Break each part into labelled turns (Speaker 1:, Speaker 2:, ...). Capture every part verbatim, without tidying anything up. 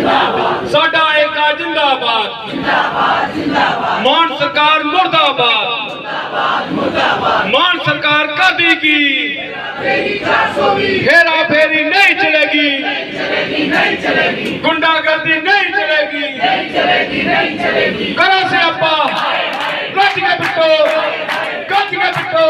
Speaker 1: साडा एका जिंदाबाद मान सरकार मुर्दाबाद मान सरकार कर देगी हेरा फेरी नहीं चलेगी गुंडागर्दी नहीं चलेगी करो से अपा गज के बिटो गज के बिटो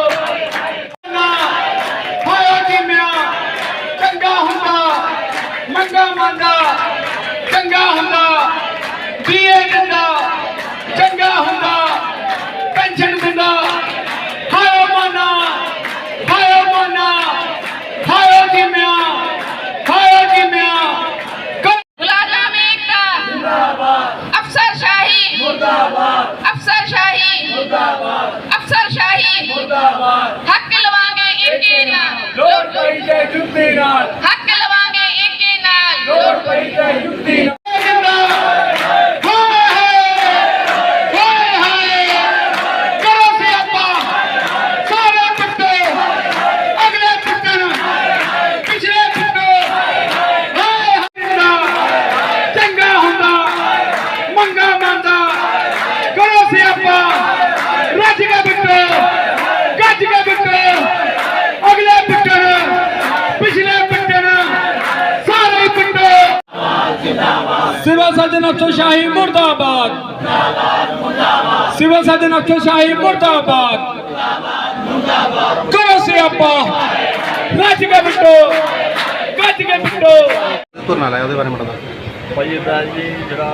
Speaker 1: चंगा हुंदा मंगा मंदा चंगा हुंदा दिए दिंदा चंगा हुंदा पेंशन दिंदा हायो माना हायो माना हायो जिम्या हायो जिम्या
Speaker 2: मुलाजम एकता जिंदाबाद अफसरशाही मुर्दाबाद अफसरशाही मुर्दाबाद अफसरशाही मुर्दाबाद हक लवांगे इनके नाल
Speaker 1: लोड़ पई ते जुत्ती नाल
Speaker 2: हक लवांगे इनके नाल
Speaker 1: लोड़ पई ते जुत्ती नाल सिविल सर्जन अफसरशाही मुर्दाबाद सिविल सर्जन अफसरशाही मुर्दाबाद करो सियापा रज के बिटो गज के बिटो
Speaker 3: तुरना लाया ਉਹਦੇ ਬਾਰੇ ਮੜਾ
Speaker 4: ਭਾਈ ਇਦਾਂ ਜੀ ਜਿਹੜਾ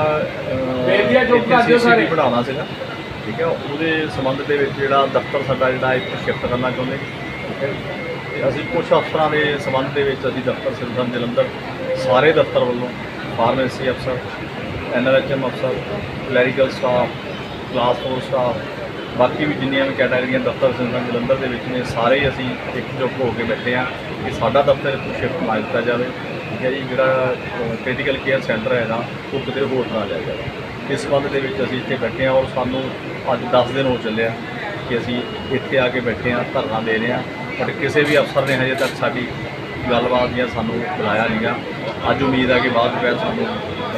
Speaker 4: ਸੀਸੀਟੀਵੀ ਬਣਾਉਣਾ ਸੀਗਾ ਠੀਕ ਹੈ ਉਹਦੇ ਸੰਬੰਧ ਦੇ ਵਿੱਚ ਜਿਹੜਾ ਦਫ਼ਤਰ ਸਾਡਾ ਜਿਹੜਾ ਇੱਥੇ ਸ਼ਿਫਟ ਕਰਨਾ ਚਾਹੁੰਦੇ ਠੀਕ ਹੈ ਤੇ ਅਸੀਂ ਕੁਝ ਅਫਸਰਾਂ ਦੇ ਸੰਬੰਧ ਦੇ ਵਿੱਚ ਅਸੀਂ ਦਫ਼ਤਰ ਸਿਵਲ ਜਲੰਧਰ ਸਾਰੇ ਦਫ਼ਤਰ ਵੱਲੋਂ ਫਾਰਮੇਸੀ ਅਫਸਰ ਐਨ ਆਰ ਐਚ ਐਮ ਅਫਸਰ clerical staff class four staff ਬਾਕੀ ਵੀ ਜਿੰਨੀਆਂ ਵੀ ਕੈਟਾਗਰੀਆਂ ਦਫ਼ਤਰ ਸਿਵਲ ਜਲੰਧਰ ਦੇ ਵਿੱਚ ਨੇ ਸਾਰੇ ਹੀ ਅਸੀਂ ਇਕਜੁੱਟ ਹੋ ਕੇ ਬੈਠੇ ਹਾਂ ਕਿ ਸਾਡਾ ਦਫ਼ਤਰ ਇੱਥੋਂ ਸ਼ਿਫਟ ਨਾ ਦਿੱਤਾ ਜਾਵੇ ਠੀਕ ਹੈ ਜੀ ਜਿਹੜਾ ਕ੍ਰਿਟੀਕਲ ਕੇਅਰ ਸੈਂਟਰ ਹੈਗਾ ਉਹ ਕਿਤੇ ਹੋਰ ਨਾ ਲਿਆ ਜਾਵੇ ਇਸ ਸੰਬੰਧ ਦੇ ਵਿੱਚ ਅਸੀਂ ਇੱਥੇ ਬੈਠੇ ਹਾਂ ਔਰ ਸਾਨੂੰ ਅੱਜ ਦਸ ਦਿਨ ਹੋ ਚੱਲੇ ਆ ਕਿ ਅਸੀਂ ਇੱਥੇ ਆ ਕੇ ਬੈਠੇ ਹਾਂ ਧਰਨਾ ਦੇ ਰਹੇ ਹਾਂ ਬਟ ਕਿਸੇ ਵੀ ਅਫਸਰ ਨੇ ਹਜੇ ਤੱਕ ਸਾਡੀ ਗੱਲਬਾਤ ਜਾਂ ਸਾਨੂੰ ਬੁਲਾਇਆ ਨਹੀਂਗਾ ਅੱਜ ਉਮੀਦ ਹੈ ਕਿ ਬਾਅਦ ਵਿੱਚ ਸਾਨੂੰ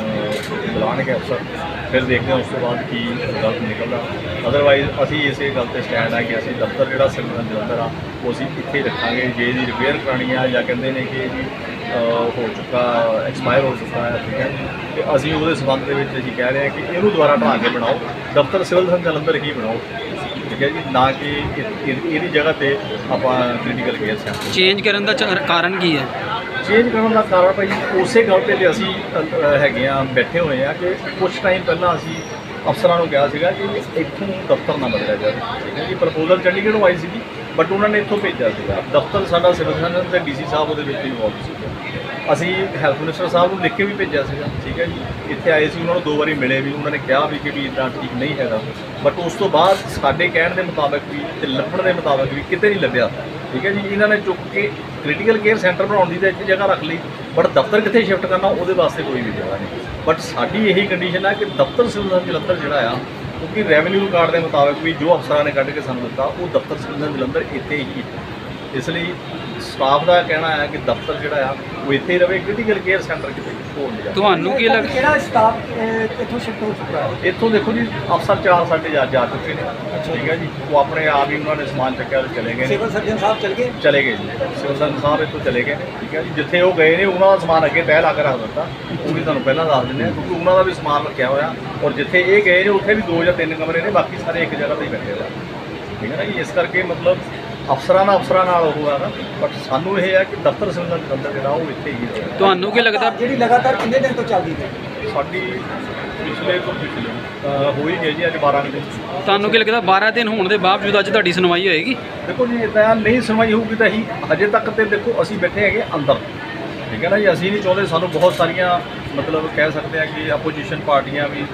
Speaker 4: ਬੁਲਾਉਣਗੇ ਅਫਸਰ ਫਿਰ ਦੇਖਦੇ ਹਾਂ ਉਸ ਤੋਂ ਬਾਅਦ ਕੀ ਰਿਜ਼ਲਟ ਨਿਕਲਦਾ ਅਦਰਵਾਈਜ਼ ਅਸੀਂ ਇਸੇ ਗੱਲ 'ਤੇ ਸਟੈਂਡ ਹੈ ਕਿ ਅਸੀਂ ਦਫ਼ਤਰ ਜਿਹੜਾ ਸਿਵਲ ਜਲੰਧਰ ਆ ਉਹ ਅਸੀਂ ਇੱਥੇ ਰੱਖਾਂਗੇ ਜੇ ਇਹਦੀ ਰਿਪੇਅਰ ਕਰਾਉਣੀ ਆ ਜਾਂ ਕਹਿੰਦੇ ਨੇ ਕਿ ਜੀ ਹੋ ਚੁੱਕਾ ਐਕਸਪਾਇਰ ਹੋ ਚੁੱਕਾ ਹੈ ਠੀਕ ਹੈ ਅਤੇ ਅਸੀਂ ਉਹਦੇ ਸੰਬੰਧ ਦੇ ਵਿੱਚ ਅਸੀਂ ਕਹਿ ਰਹੇ ਹਾਂ ਕਿ ਇਹਨੂੰ ਦੁਬਾਰਾ ਢਾਹ ਕੇ ਬਣਾਓ ਦਫ਼ਤਰ ਸਿਵਲ ਜਲੰਧਰ ਹੀ ਬਣਾਓ ਠੀਕ ਹੈ ਜੀ ਨਾ ਕਿ ਇਹਦੀ ਜਗ੍ਹਾ 'ਤੇ ਆਪਾਂ ਕ੍ਰਿਟੀਕਲ ਕੇਅਰ ਸੈਂਟਰ
Speaker 3: ਚੇਂਜ ਕਰਨ ਦਾ ਕਾਰਨ ਕੀ ਹੈ
Speaker 4: ਚੇਂਜ ਕਰਨ ਦਾ ਕਾਰਨ ਭਾਈ ਉਸੇ ਗੱਲ 'ਤੇ ਅਸੀਂ ਹੈਗੇ ਆ ਬੈਠੇ ਹੋਏ ਆ ਕਿ ਕੁਝ ਟਾਈਮ ਪਹਿਲਾਂ ਅਸੀਂ ਅਫਸਰਾਂ ਨੂੰ ਕਿਹਾ ਸੀਗਾ ਕਿ ਇੱਥੋਂ ਦਫ਼ਤਰ ਨਾ ਬਦਲਿਆ ਜਾਵੇ ਠੀਕ ਹੈ ਜੀ ਪ੍ਰਪੋਜ਼ਲ ਚੰਡੀਗੜ੍ਹੋਂ ਆਈ ਸੀਗੀ ਬਟ ਉਹਨਾਂ ਨੇ ਇੱਥੋਂ ਭੇਜਿਆ ਸੀਗਾ ਦਫ਼ਤਰ ਸਾਡਾ ਸਿਵਲ ਸਰਜਨ ਅਤੇ ਡੀ ਸੀ ਸਾਹਿਬ ਉਹਦੇ ਵਿੱਚ ਇਨਵੋਲਵ ਸੀਗਾ ਅਸੀਂ ਹੈਲਥ ਮਿਨਿਸਟਰ ਸਾਹਿਬ ਨੂੰ ਲਿਖ ਕੇ ਵੀ ਭੇਜਿਆ ਸੀਗਾ ਠੀਕ ਹੈ ਜੀ ਇੱਥੇ ਆਏ ਸੀ ਉਹਨਾਂ ਨੂੰ ਦੋ ਵਾਰੀ ਮਿਲੇ ਵੀ ਉਹਨਾਂ ਨੇ ਕਿਹਾ ਵੀ ਕਿ ਵੀ ਇੱਦਾਂ ਠੀਕ ਨਹੀਂ ਹੈਗਾ ਬਟ ਉਸ ਤੋਂ ਬਾਅਦ ਸਾਡੇ ਕਹਿਣ ਦੇ ਮੁਤਾਬਕ ਵੀ ਅਤੇ ਲੱਭਣ ਦੇ ਮੁਤਾਬਕ ਵੀ ਕਿਤੇ ਨਹੀਂ ਲੱਭਿਆ ਠੀਕ ਹੈ ਜੀ ਇਹਨਾਂ ਨੇ ਚੁੱਕ ਕੇ ਕ੍ਰਿਟੀਕਲ ਕੇਅਰ ਸੈਂਟਰ ਬਣਾਉਣ ਦੀ ਤਾਂ ਇੱਥੇ ਜਗ੍ਹਾ ਰੱਖ ਲਈ ਬਟ ਦਫ਼ਤਰ ਕਿੱਥੇ ਸ਼ਿਫਟ ਕਰਨਾ ਉਹਦੇ ਵਾਸਤੇ ਕੋਈ ਵੀ ਜਗ੍ਹਾ ਨਹੀਂ ਬਟ ਸਾਡੀ ਇਹੀ ਕੰਡੀਸ਼ਨ ਹੈ ਕਿ ਦਫ਼ਤਰ ਸਿਵਲ ਜਲੰਧਰ ਜਿਹੜਾ ਆ ਕਿਉਂਕਿ ਰੈਵਨਿਊ ਰਿਕਾਰਡ ਦੇ ਮੁਤਾਬਕ ਵੀ ਜੋ ਅਫਸਰਾਂ ਨੇ ਕੱਢ ਕੇ ਸਾਨੂੰ ਦਿੱਤਾ ਉਹ ਦਫ਼ਤਰ ਸਿਵਲ ਜਲੰਧਰ ਇੱਥੇ ਹੀ ਇਸ ਲਈ ਸਟਾਫ ਦਾ ਕਹਿਣਾ ਹੈ ਕਿ ਦਫ਼ਤਰ ਜਿਹੜਾ ਆ ਉਹ ਇੱਥੇ ਹੀ ਰਵੇ ਕ੍ਰਿਟੀਕਲ ਕੇਅਰ ਸੈਂਟਰ ਕਿਤੇ ਹੋਰ ਨਹੀਂ ਜਾਵੇ
Speaker 3: ਤੁਹਾਨੂੰ ਕੀ ਲੱਗਦਾ
Speaker 5: ਕਿਹੜਾ ਸਟਾਫ ਇੱਥੋਂ ਸ਼ਿਫਟ ਹੋ ਚੁੱਕਾ ਹੈ
Speaker 4: ਇੱਥੋਂ ਦੇਖੋ ਜੀ ਅਫਸਰ ਚਾਰ ਸਾਡੇ ਜਾ ਜਾ ਚੁੱਕੇ ਨੇ ਠੀਕ ਹੈ ਜੀ ਉਹ ਆਪਣੇ ਆਪ ਹੀ ਉਹਨਾਂ ਨੇ ਸਮਾਨ ਚੱਕਿਆ ਤੇ ਚਲੇ ਗਏ
Speaker 5: ਸਿਵਲ ਸਰਜਨ ਸਾਹਿਬ ਚਲ ਗਏ
Speaker 4: ਚਲੇ ਗਏ ਜੀ ਸਿਵਲ ਸਰਜਨ ਸਾਹਿਬ ਇੱਥੋਂ ਚਲੇ ਗਏ ਨੇ ਠੀਕ ਹੈ ਜੀ ਜਿੱਥੇ ਉਹ ਗਏ ਨੇ ਉਹਨਾਂ ਦਾ ਸਮਾਨ ਅੱਗੇ ਤਹਿ ਲਾ ਕੇ ਰੱਖ ਦਿੱਤਾ ਉਹ ਵੀ ਤੁਹਾਨੂੰ ਪਹਿਲਾਂ ਦੱਸ ਦਿੰਦੇ ਹਾਂ ਕਿਉਂਕਿ ਉਹਨਾਂ ਦਾ ਵੀ ਸਮਾਨ ਰੱਖਿਆ ਹੋਇਆ ਔਰ ਜਿੱਥੇ ਇਹ ਗਏ ਨੇ ਉੱਥੇ ਵੀ ਦੋ ਜਾਂ ਤਿੰਨ ਕਮਰੇ ਨੇ ਬਾਕੀ ਸਾਰੇ ਇੱਕ ਜਗ੍ਹਾ 'ਤੇ ਹੀ ਬੈਠੇ ਹੋਏ ਠੀਕ ਹੈ ਨਾ ਜੀ ਇਸ ਕਰਕੇ ਮਤਲਬ ਅਫਸਰਾਂ ਨਾਲ ਅਫਸਰਾਂ ਨਾਲ ਉਹ ਆ ਨਾ ਬਟ ਸਾਨੂੰ ਇਹ ਹੈ ਕਿ ਦਫ਼ਤਰ ਸਿਵਲ ਜਲੰਧਰ ਜਿਹੜਾ ਉਹ ਇੱਥੇ ਹੀ ਰਹੇ
Speaker 3: ਤੁਹਾਨੂੰ ਕੀ ਲੱਗਦਾ
Speaker 5: ਜਿਹੜੀ ਲਗਾਤਾਰ ਕਿੰਨੇ ਦਿਨ ਤੋਂ ਚੱਲਦੀ ਹੈ
Speaker 4: ਸਾਡੀ ਪਿਛਲੇ ਤੋਂ ਪਿਛਲੇ ਹੋ ਹੀ ਗਏ ਜੀ ਅੱਜ ਬਾਰਾਂ ਦਿਨ
Speaker 3: ਤੁਹਾਨੂੰ ਕੀ ਲੱਗਦਾ ਬਾਰਾਂ ਦਿਨ ਹੋਣ ਦੇ ਬਾਵਜੂਦ ਅੱਜ ਤੁਹਾਡੀ ਸੁਣਵਾਈ ਹੋਏਗੀ
Speaker 4: ਦੇਖੋ ਜੀ ਇੱਦਾਂ ਨਹੀਂ ਸੁਣਵਾਈ ਹੋਊਗੀ ਤਾਂ ਅਸੀਂ ਹਜੇ ਤੱਕ ਤੇ ਦੇਖੋ ਅਸੀਂ ਬੈਠੇ ਹੈਗੇ ਅੰਦਰ ਠੀਕ ਹੈ ਨਾ ਜੀ ਅਸੀਂ ਨਹੀਂ ਚਾਹੁੰਦੇ ਸਾਨੂੰ ਬਹੁਤ ਸਾਰੀਆਂ ਮਤਲਬ ਕਹਿ ਸਕਦੇ ਹਾਂ ਕਿ ਆਪੋਜੀਸ਼ਨ ਪਾਰਟੀਆਂ ਵੀ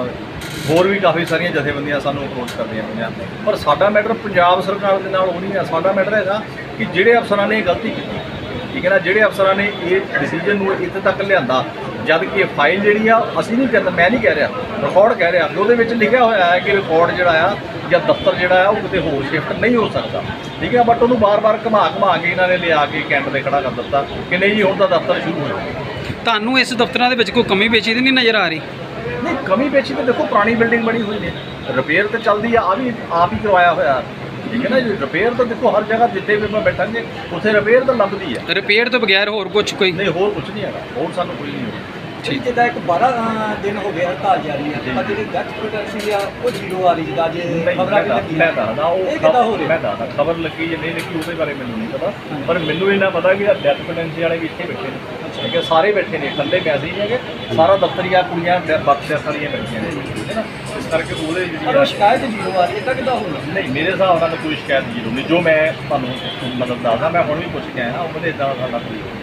Speaker 4: ਹੋਰ ਵੀ ਕਾਫੀ ਸਾਰੀਆਂ ਜਥੇਬੰਦੀਆਂ ਸਾਨੂੰ ਅਪਰੋਚ ਕਰਦੀਆਂ ਪਈਆਂ ਪਰ ਸਾਡਾ ਮੈਟਰ ਪੰਜਾਬ ਸਰਕਾਰ ਦੇ ਨਾਲ ਉਹ ਨਹੀਂ ਹੈ ਸਾਡਾ ਮੈਟਰ ਹੈਗਾ ਕਿ ਜਿਹੜੇ ਅਫਸਰਾਂ ਨੇ ਇਹ ਗਲਤੀ ਕੀਤੀ ਠੀਕ ਹੈ ਨਾ ਜਿਹੜੇ ਅਫਸਰਾਂ ਨੇ ਇਹ ਡਿਸੀਜਨ ਨੂੰ ਇੱਥੇ ਤੱਕ ਲਿਆਂਦਾ ਜਦ ਕਿ ਇਹ ਫਾਈਲ ਜਿਹੜੀ ਆ ਅਸੀਂ ਨਹੀਂ ਕਹਿੰਦਾ ਮੈਂ ਨਹੀਂ ਕਹਿ ਰਿਹਾ ਰਿਕਾਰਡ ਕਹਿ ਰਿਹਾ ਉਹਦੇ ਵਿੱਚ ਲਿਖਿਆ ਹੋਇਆ ਹੈ ਕਿ ਰਿਕਾਰਡ ਜਿਹੜਾ ਆ ਜਾਂ ਦਫ਼ਤਰ ਜਿਹੜਾ ਆ ਉਹ ਕਿਤੇ ਹੋਰ ਸ਼ਿਫਟ ਨਹੀਂ ਹੋ ਸਕਦਾ ਠੀਕ ਹੈ ਬਟ ਉਹਨੂੰ ਬਾਰ-ਬਾਰ ਘੁਮਾ ਘੁਮਾ ਕੇ ਇਹਨਾਂ ਨੇ ਲਿਆ ਕੇ ਕੈਂਟ 'ਤੇ ਖੜਾ ਕਰ ਦਿੱਤਾ ਕਿ ਨਹੀਂ ਜੀ ਹੁਣ ਤਾਂ ਦਫ਼ਤਰ ਸ਼ੁਰੂ ਹੋ ਜਾਵੇ
Speaker 3: ਤੁਹਾਨੂੰ ਇਸ ਦਫ਼ਤਰਾਂ ਦੇ ਵਿੱਚ ਕੋਈ ਕਮੀ ਪੇਸ਼ੀ ਤਾਂ ਨਹੀਂ ਨਜ਼ਰ ਆ ਰਹੀ?
Speaker 4: ਨਹੀਂ ਕਮੀ ਪੇਸ਼ੀ ਤੇ ਦੇਖੋ, ਪੁਰਾਣੀ ਬਿਲਡਿੰਗ ਬਣੀ ਹੋਈ ਨੇ, ਰਿਪੇਅਰ ਤੇ ਚੱਲਦੀ ਆ, ਆ ਵੀ ਆਪ ਹੀ ਕਰਵਾਇਆ ਹੋਇਆ, ਠੀਕ ਹੈ ਨਾ ਜੀ। ਰਿਪੇਅਰ ਤਾਂ ਦੇਖੋ ਹਰ ਜਗ੍ਹਾ ਜਿੱਥੇ ਵੀ ਮੈਂ ਬੈਠਾਂਗੇ ਉੱਥੇ ਰਿਪੇਅਰ ਤਾਂ ਲੱਭਦੀ ਹੈ।
Speaker 3: ਰਿਪੇਅਰ ਤੋਂ ਬਗੈਰ ਹੋਰ ਕੁਝ ਕੋਈ?
Speaker 4: ਨਹੀਂ ਹੋਰ ਕੁਝ ਨਹੀਂ ਹੈਗਾ, ਹੋਰ ਸਾਨੂੰ ਕੋਈ ਨਹੀਂ ਹੋਣਾ।
Speaker 5: ਠੀਕ ਜਿੱਦਾਂ ਇੱਕ ਬਾਰਾਂ ਦਿਨ ਹੋ ਗਏ ਹੜਤਾਲ ਜਾਰੀ ਹੈ, ਪਰ ਜਿਹੜੀ ਡੈਥ ਪ੍ਰੋਟੈਕਸ਼ਨ ਆ ਉਹ ਜ਼ੀਰੋ ਆ ਰਹੀ, ਜਿੱਦਾਂ ਅੱਜ ਖਬਰਾਂ ਵੀ ਲੱਗੀ
Speaker 4: ਮੈਂ ਦੱਸਦਾ ਉਹ
Speaker 5: ਇਹ ਕਿੱਦਾਂ ਹੋ
Speaker 4: ਮੈਂ
Speaker 5: ਰਿਹਾ?
Speaker 4: ਦੱਸਦਾ ਖਬਰ ਲੱਗੀ ਜਾਂ ਨਹੀਂ ਲੱਗੀ ਉਹਦੇ ਬਾਰੇ ਮੈਨੂੰ ਨਹੀਂ ਪਤਾ, ਪਰ ਮੈਨੂੰ ਇਹਨਾਂ ਪਤਾ ਕਿ ਡੈਥ ਪੈਨੈਂਸੀ ਵਾਲੇ ਵੀ ਇੱਥੇ ਬੈਠੇ ਨੇ, ਠੀਕ ਹੈ, ਸਾਰੇ ਬੈਠੇ ਨੇ, ਇਕੱਲੇ ਪੈਸੇ ਨਹੀਂ ਹੈਗੇ, ਸਾਰਾ ਦਫ਼ਤਰੀਆ ਕੁੜੀਆਂ ਬਖਸ਼ ਵਾਲੀਆਂ ਬੈਠੀਆਂ ਨੇ, ਠੀਕ ਹੈ ਨਾ। ਇਸ ਕਰਕੇ ਉਹਦੇ
Speaker 5: ਪਰ ਉਹ
Speaker 4: ਜਿਹੜੀ
Speaker 5: ਸ਼ਿਕਾਇਤ ਜ਼ੀਰੋ ਆ ਰਹੀ ਹੈ, ਤਾਂ ਕਿੱਦਾਂ ਹੋਣਾ?
Speaker 4: ਨਹੀਂ ਮੇਰੇ ਹਿਸਾਬ ਨਾਲ ਕੋਈ ਸ਼ਿਕਾਇਤ ਜ਼ੀਰੋ ਨਹੀਂ, ਜੋ ਮੈਂ ਤੁਹਾਨੂੰ ਮਤਲਬ ਦੱਸਦਾ, ਮੈਂ ਹੁਣ ਵੀ ਪੁੱਛ ਕੇ ਆਇਆ ਨਾ, ਉਹਦੇ ਇਦਾਂ ਸਾਡਾ ਕੋਈ